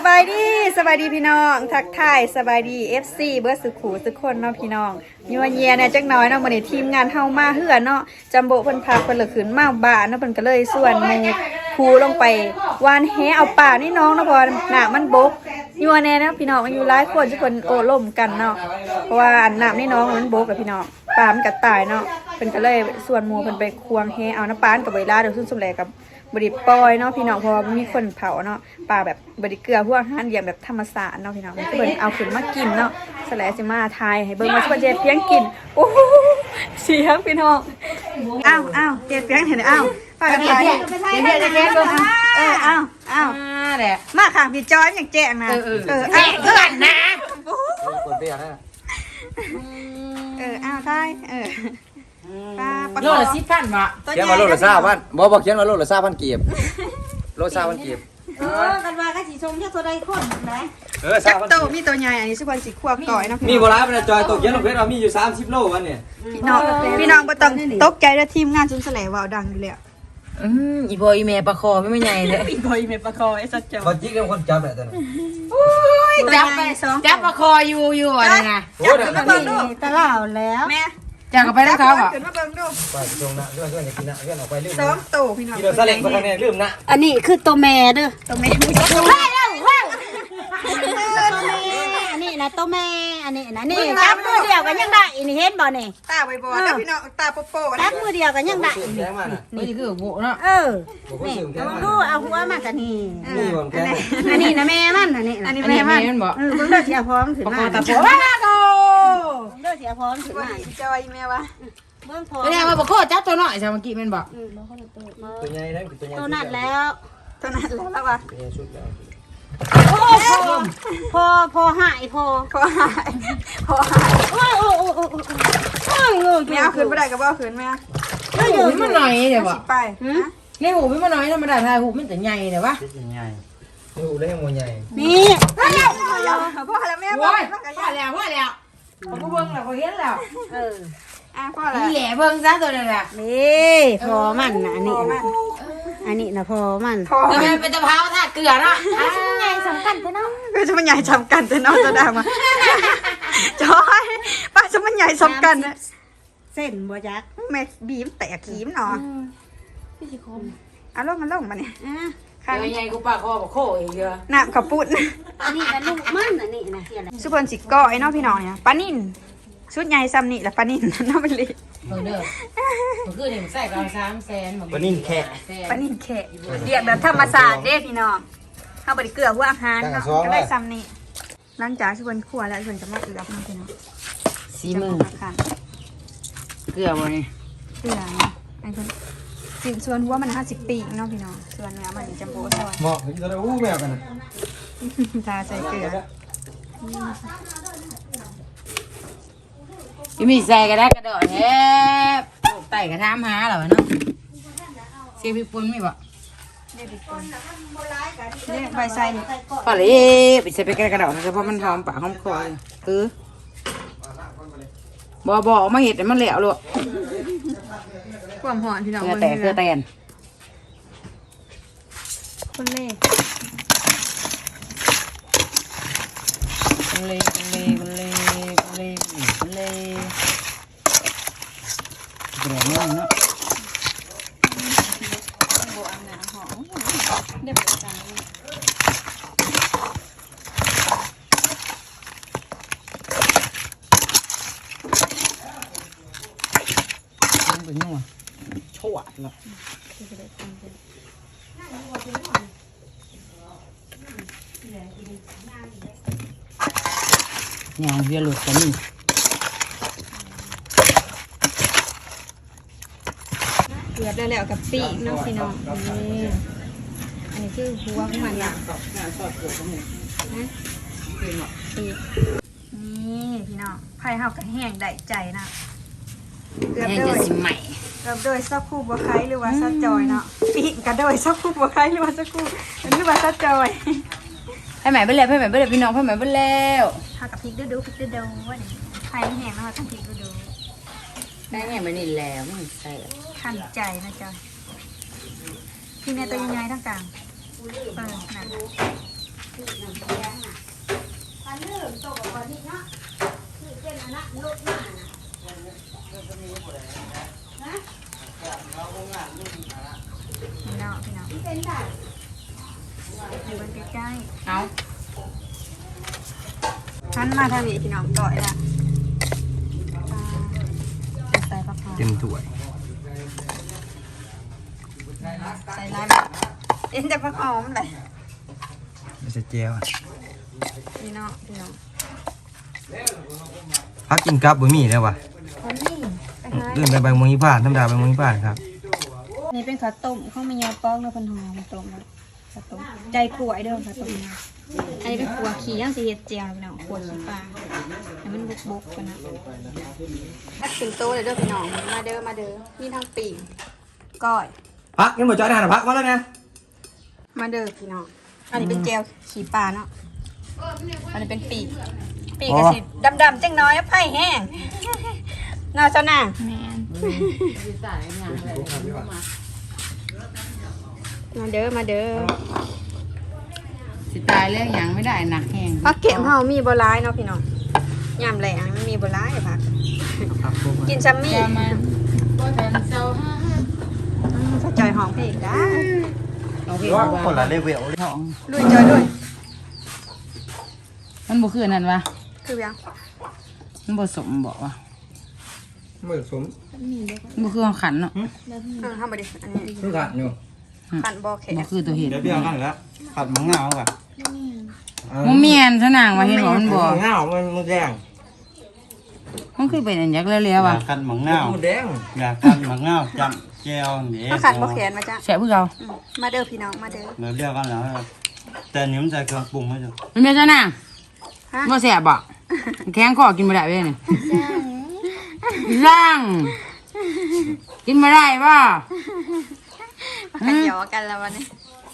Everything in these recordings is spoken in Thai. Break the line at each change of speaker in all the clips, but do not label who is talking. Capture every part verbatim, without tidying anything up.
บายดีสบายดีพี่น้องทักทายสบายดี เอฟ ซี เบิร์ดสุขูสุกคนเนาะพี่น้องยัวเยียเนี่ยจักหน้อยเนาะมื้อนี้ทีมงานเฮามาเฮือเนาะจัมโบเพิ่นพาเพิ่นละขึ้นมาบ้านเนาะเพิ่นก็เลยส่วนหมู่คูลงไปวานแหเอาป่านี่น้องเนาะเพราะน้ำมันบกยัวแน่เนาะพี่น้องมันอยู่หลายคนทุกคนโอ้ล่มกันเนาะเพราะว่าน้ำนี่น้องมันบกกับพี่น้องปลามันก็ตายเนาะเพิ่นก็เลยส่วนหมู่เพิ่นไปควงแหเอาน้ำปานกับเวลาเดี๋ยวซุ่มซุ่มแลกับบริปอยเนาะพี่น้องเพราะว่ามีคนเผาเนาะปลาแบบบริเกลือพวกอาหารอย่างแบบธรรมศาสตร์เนาะพี่น้องเบิ่งเอาขึ้นมากินเนาะสแลสิมาทายให้เบิ่งมาช่วยเจ็ดเพียงกินโอ้โหเสียงพี่น้องอ้าวอ้าวเจ็ดเพียงเห็นอ้าวปลากันไปเดี๋ยวจะแก้ตัวเอออ้าวอ้าวแหละมาค่ะพี่จอยอย่างแจ้งนะเออเออแจ้งเพื่อนนะคนเบี้ยนะเอออ้าวทายเออ
โลละสิบพันวะ
เขียนมาโลละซาพันบอกบอกเขียนมาโลละซาพันเกียบโลซาพันเกียบ
เออกันว่าก็สีชมแค่ตัวใดคนนะ
เออซาพันโต
มีตัวใหญ่อันนี้สุพรรณสีขวบต่อยนะ
มีโบราณเป็นจอยตกเขียนลงเพชรเรามีอยู่สามสิบโลวันเนี่ย
พี่น้องพี่น้องบ่ต้องตกใจแล้วทีมงานซุนแสลว่าวดังอยู่แล้ว
อืมอีบอยอีเมย์ปลาคอไม่ใหญ่เลย
อีบอยอีเมย์ปลาคอไอ้สัจเจ้า
คนจิ๊กเป็นคนจับแหละตอนนั้น
จับไปสองจับปลาคออยู่อยู่อะไรนะ
โอ้ยขึ้นมาเบิ่งดูตะล่าแล้วแม่
จับกันไปแล้วเขาอ่ะ
ขึ้นมาเบิ่งดู
ไปตรงนะเรื่องเรื่องอย่ากินนะเรื่องออกไปเรื่อง
สองโตพี่น้อง
กินเราซาเล้งมาทางนี้ลืมนะ
อันนี้คือตัวแม่เด้อตัวแม่ไม่ใช่ตัวแม่แล้วว้าวอันนี้นะตัวแม่อันนี้นะนี่จับมือเดียวกันยังได้อันนี้เห็นบ่นี่ตาใบบอแล้วพี่น้องตาโปโป้จับมือเดียวกันยังได้
นี่คือโบเนาะ
เออนี่เอาดูเอาหัวมากันนี่
นี่ผมแค่
อันนี้นะแม่มันอันนี้
อันนี้แม่มันบอก
เออเพิ่งเลิกเสียพร้อมถึงมา
ตาโผล่ว้าโก
เลิกเสียพร้อมถึงมาจอยแม่วะ
เบื้องพอไม่ได้มาบอกโคจับตัวหน่อยใช่เมื่อกี้มันบอก
ตัวใหญ่นะตัวใหญ่
ตัวนัดแล้วตัวนัดแล้ววะ
ตัวใหญ่ชุดแล้ว
พอพอหายพอพอหายพอหายโอ้โอ้โอ้โอ้โอ้แม่เอาคืนไม่ได้ก็บ่เอาคืนแม่
ไม่หูมันหน่อยเดี๋ยววะ
ไป
ในหูมันหน่อยธรรมดาทายหูมันแต่ใหญ่เดี๋ยววะ
ใหญ่หูได้ยังมวยใหญ่
นี่พ่อแล้วพ่อแล้วแม่พ่อ
พ่อแล้วพ่อแล้วเขาเบิ้งแล้วเขาเห็นแล้ว
เอออ่ะพ่อแล้ว
นี่แหละเบิ้งซะตัวนั้นแหละ
นี่พอมันอันนี้อันนี้นะพอมัน
พอมันเป็นตะเภาท่าเกลือเนาะ
ใหญ่สำคัญแต่น้องก็จะมันใหญ่สำคัญแต่น้องจะด่ามาจอยป้าจะมันใหญ่สำคัญนะเส้นบัวยักษ์แม่บีมแตกขีมเนาะพี่ชิคมอ่ะลงมันลงมาเนี่ย
ข้างใหญ่กูปากคอบอกโคอีกเยอะ
น้ำขับปุ้นอันนี้นะลูกมันอันนี้นะสุพรรณสิก้อยเนาะพี่น้องเนี่ยปลานิ่นชุดใหญ่ซ้ำนี่แหละปลานิ่นน้ำมันเลย
เออเด้อเมื่อคืนนี่ใส่กองสามแสน
ปลานิ่นแค่
ปลานิ่นแค่เรียกแบบธรรมศาสตร์เด้พี่น้องเข้าไปเกลือพวกอาหารเนาะก็ได้ซ้ำนี่หลังจากสุพรรณคั่วแล้วสุพรรณจะมาเกลือพี่น้อง
สีมือเกลือบ่นี่
เกลือไอ้คนสิส่วนหัวมันห้าสิบปีเนาะพี่น้องส่วนเนื้อมันจัมโบ้ซอย
เหมาะจะได้อู้แมวกัน
ตาใส่เกลือ
พี่มีใส่ก็ได้กระโดดแฮบไต่กระทำหาเหรอเนาะเสียพี่ปุ้นไม่บอก
เนี่ยใบใส่
ปลาเล่ไปใส่ไปกระโดดนะเพราะมันหอมปากหอมคอเออบ่บ่มาเห็ดมันเหลวลูก
ความหอมพี่น้อง
เกลือแต่เกลือแตน
คนเล่
คนเล่คนเล่คนเล่คนเล่คนเล่เกลือเนื้อเนาะ
เดี๋ยวไปสั่ง
เป็นนัวชั่วเนาะอย่างเรียลุดกันนี่
เกลือได้แล้วกับปีกน้องพี่น้องนี่อันนี้คือหัวของมันนะนะปีกนี่พี่น้องไผ่เฮากับแห้งได้ใจนะ
เกลือโดย
เกลือโดยซักคู่บัวไข่หรือว่าซักจอยเนาะปีกกระโดยซักคู่บัวไข่หรือว่าซักคู่หรือว่าซักจอย
ให้ใหม่ไปแล้วให้ใหม่ไปแล้วพี่น้องให้ใหม่ไปแล้ว
ทากับพริกดูดูพริกดูดูว่าไข่แห้งแล้วทำพริกดูดู
ได้แห้งไปนี่แล้วมันใส่
ขันใจนะจอยพี่แม่ตัวยังไงทั้งกลางเออนั่นพี่น้องพี่น้องเป็นได้อยู่บนใกล้
เอา
ๆหันมาทางนี้พี่น้องก่อยละใส่ผักหอม
เต็มถ้วย
ใส่ลายแบบเอ็นจะผักหอมเลย
ไม่ใช่เจียว
พี่น้องพี่น้อง
พักกินกับบ่มีแล้วว่ะ
วันนี้ไปหา
เลื่อนไปใบมงยี่ผ่านธรรมดาใบมงยี่ผ่านครับ
นี่เป็นข้าวต้มข้าวมันยาป้องเนื้อพันหอมต้มข้าวต้มใจขวายเด้อข้าวต้มอันนี้เป็นขัวขี้ย่างสีเห็ดเจียวพี่น้องขัวขี้ปลาให้มันบุกบุกกันนะถ้าถึงโตเลยเด้อพี่น้องมาเด้อมาเด้อมีทั้งปีกก้อย
พักยังบ่จอยทานพักมาแล้วนะ
มาเด้อพี่น้องอันนี้เป็นเจียวขี้ปลาเนาะอันนี้เป็นปีกปีกกระสิดำๆจังน้อยไผ่แห้งน่าเจ้านางแมน
ใส่งานอะไรมา
มาเด้อมาเด้อ
สิตายเรื่องหยังไม่ได้หนักแห้ง
พักเก็บเฮามีบ่ร้ายเนาะพี่น้องยามแหลงมันมีบ่ร้ายพักกินซัมมี่
จะมาบ่ทันเศร้าฮะ
ถ้าจอยหอมเพลงได้
เอาเพลง
ว่า
ว่า
คนละเลเวล
ท้อง
ลุยจอยด้วย
มันบ่คือนั่นวะ
คือยัง
มันบ่สมบอกว่า
มือสม
มันบ่คือของขันเนาะ
เออทำมาดิอันนี้
คือขัดอยู่
ขันบอแข็ง
บ่คือตัวเห็ด
เดี๋ยวเบี้ยกันแล้วขัดมังเงาก่ะ
มันเมียนซะนางว่าเห็นบ่มันบ่
มังเงามันมันแดง
มันคือเป็นอันยักษ์แล้วๆว่ะ
กันหมังเงา
มันแดง
อยากกันหมังเงาจำแก้วนี่
ก็ขันบอแขนมาจ้ะ
แซ่บคือเก่า
อืมมาเด้อพี่น้องมาเด้อ
เราเรียกกันแล้วแต่นี่มันใส่เครื่องปรุงไม่ใช่
มันเป็นซะนาง
ฮะ
บ่แซ่บบ่แข็งคอกินบ่ได้เว้ยนี่ร่างกินบ่ได้บ่
ขันหยอกันแล้ววันนี้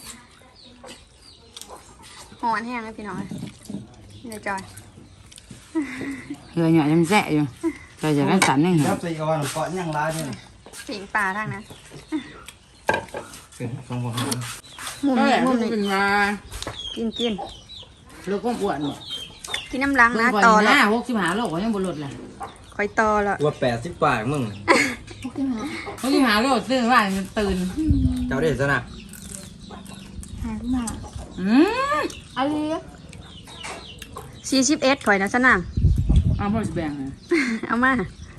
หอนแห้งเลยพี่น้องเดี๋ยวจอย
เหือหน่อยยังแซ่อยู่แต่จะกันสันยังเห็น
แล้วใส่ออนเกาะยังร้ายนี่
ปิงปลาทางนั้น
เป็นสองคน
มุมนี้มุมนี้
เป็นมา
กินกิน
ลูกก็อ้วน
กินน้ำล้างนะ
ต่
ต่
อ
อ
แล้
แล้ว ว
หกสิบห้าโลก็ยังบ่ลดเลย
คอยต่อแล้ว
ว่าแปดสิบปากมึง
หกสิบห้าโลตื่นว่าตื่น
เจ้าได้ซะนะ
อืมอะไร
สี่สิบเอ็ดข่อยนะสนาม
เอาพ่อจะแบ่งเลย
เอามา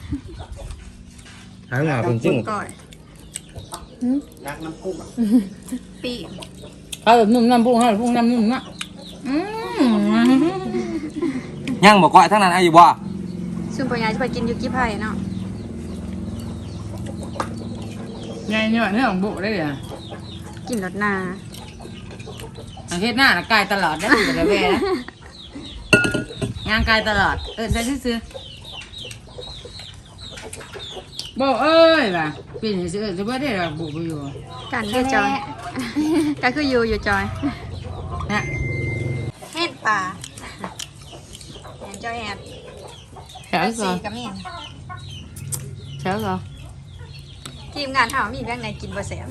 หางหน้าเป็นจึ้ง
ก่อย
รักน้ำกุ้ง
ปี
เอาแบบนุ่มน้ำพุงเอาแบบพุงน้ำนุ่มนะอืม
ยังบอกว่าทั้งนั้นอายุบ่
ซึ่งปัญญาจะไปกินยูกิไผ่เนาะ
ไงเนี่ยเนี่ยของบุได้เลย
กินรสนา
อาทิตย์หน้าน่ะกายตลอดได้อยู่กับแม่นะงานกายตลอดเออจะซื้อบอกเอ้ยว่ะปีนี้ซื้อจะไม่ได้หรอกบุไปอยู่
กันเด้อจอย ก็คืออยู่อยู่จอย
นะ
เห็ดป่าแอนจอยแอน
แถวก่
สี
อน
กับมีน
แถวก่อน
ทีมงานถามว่ามีเรื่องไหนกินบ่แสบ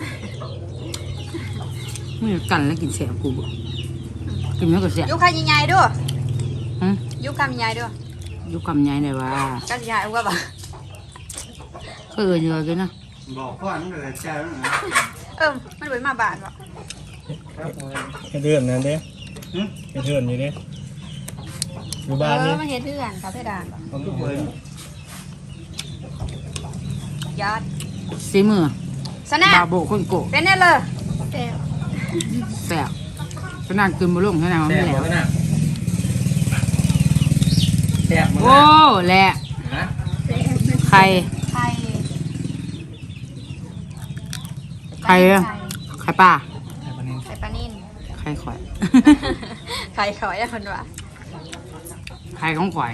ไม่กันแล้วกินเสียกูบ่กินไม่ก็เสีย
ยุคใหญ่ๆด้วย
ฮะ
ยุคคำใหญ่ด้วย
ยุคกำยัยเลยว่า
ก็ใหญ่ว่าบ่
เคยเอ่ยเยอะกันนะ
บอกก่อนมันเลยแจ้วนะ
เอิ่มมันไว้มาบาทบ่
ให้เดือนนั่นเด้ให้เดือนอยู่เด้อยู่
เอ
บ้าน
อ
นี่
มันเฮ็ดเพื่อนครับเพดานบ่
เอาทุกคน
ยอด
สีมือ
สนะ
บาโบคนโกะ
เป็นแน่เลยแสบ
แสบขนาดกินบุลงขนาดมัน
แซ่
ไม่
บ
แหล
บ่
ว
นะแซ่บมึง
โอ้แหละ
นะ
ไข่
ไข่
ไข่อะไข่ปลา
ไข่ปลานิ่น
ไข่ข่อย
ไข่ขอยอะคนว่า
ไข่ของข่อย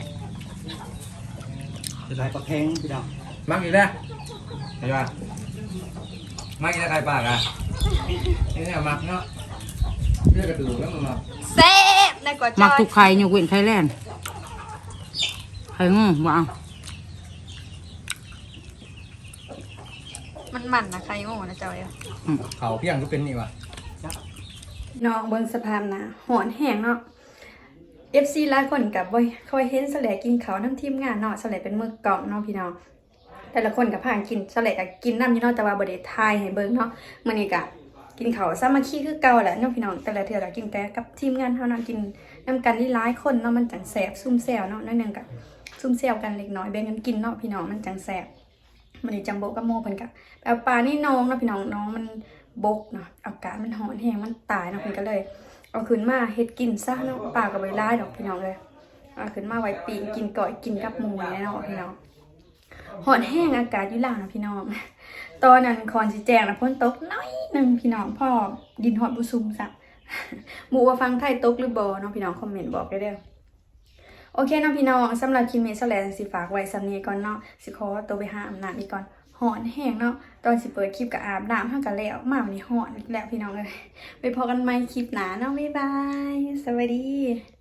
จะได้ปลาแข็งพี่น้อง
มักอีกแล้วเห็นป่ะมักอีกแล้วใครปากอ่ะนี่เนี่ยมักเนาะเลือกกระดูกแล้วมันมา
แซ่บในกว่าจ
มัก
อย
ทุกไข่ยกเว้นไข่แลนด์ไข่งูว้าว
มันมันนะไข่โง่นะจอย
เขาเพียงก็เป็นนี่ว่ะ
น้องเบิ่งสภาพนะหอนแห้งเนาะเอฟซีหลายคนกับบ่คอยเห็นสแลกินเขาวน้ำทีมงานเนาะสแลเป็นมือกล่องเนาะพี่น้องแต่ละคนกับผ่านกินสแลก็กินน้ำอยู่เนาะแต่ว่าบ่ได้ทายให้เบิ่งเนาะมื้อนี้ก็กินเขาวสามัคคีคือเก่าแหละเนาะพี่น้องแต่ละเทื่อก็กินแต่กับทีมงานเฮาเนาะกินนำกันนี่หลายคนเนาะมันจังแซ่บซุ่มแซวเนาะนั่นนึงก็ซุ่มแซวกันเล็กน้อยแบ่งกันกินเนาะพี่น้องมันจังแซ่บมื้อนี้จังโบกับโมเพิ่นก็เอาปลานี่น้องเนาะพี่น้องน้องมันบกเนาะอากาศมันร้อนแฮงมันตายเนาะเพิ่นก็เลยเอาขึ้นมาเฮ็ดกินซะเนาะปลาก็บ่หลายดอกพี่น้องเลยเอาขึ้นมาไว้ปีกกินก่อยกินกับหมูนี่เนาะพี่น้องร้อนแห้งอากาศอยู่ล่างเนาะพี่น้องตอนนั้นคอนสิแจ้งนะฝนตกน้อยนึงพี่น้องพ่อดินฮอดบ่ซุ่มซะหมู่ว่าฟังไทยตกหรือบ่เนาะพี่น้องคอมเมนต์บอกได้เด้อโอเคเนาะพี่น้องสำหรับคลิปนี้เซาแลสิฝากไว้สำนี้ก่อนเนาะสิขอตัวไปหาอาบน้ำอีกก่อนร้อนแห้งเนาะตอนสิเปิดคลิปก็อาบน้ำเฮาก็แล้วมาวันนี้ร้อนอีกแล้วพี่น้องเอ้ยไปพบกันใหม่คลิปหน้าเนาะบ๊ายบายสวัสดี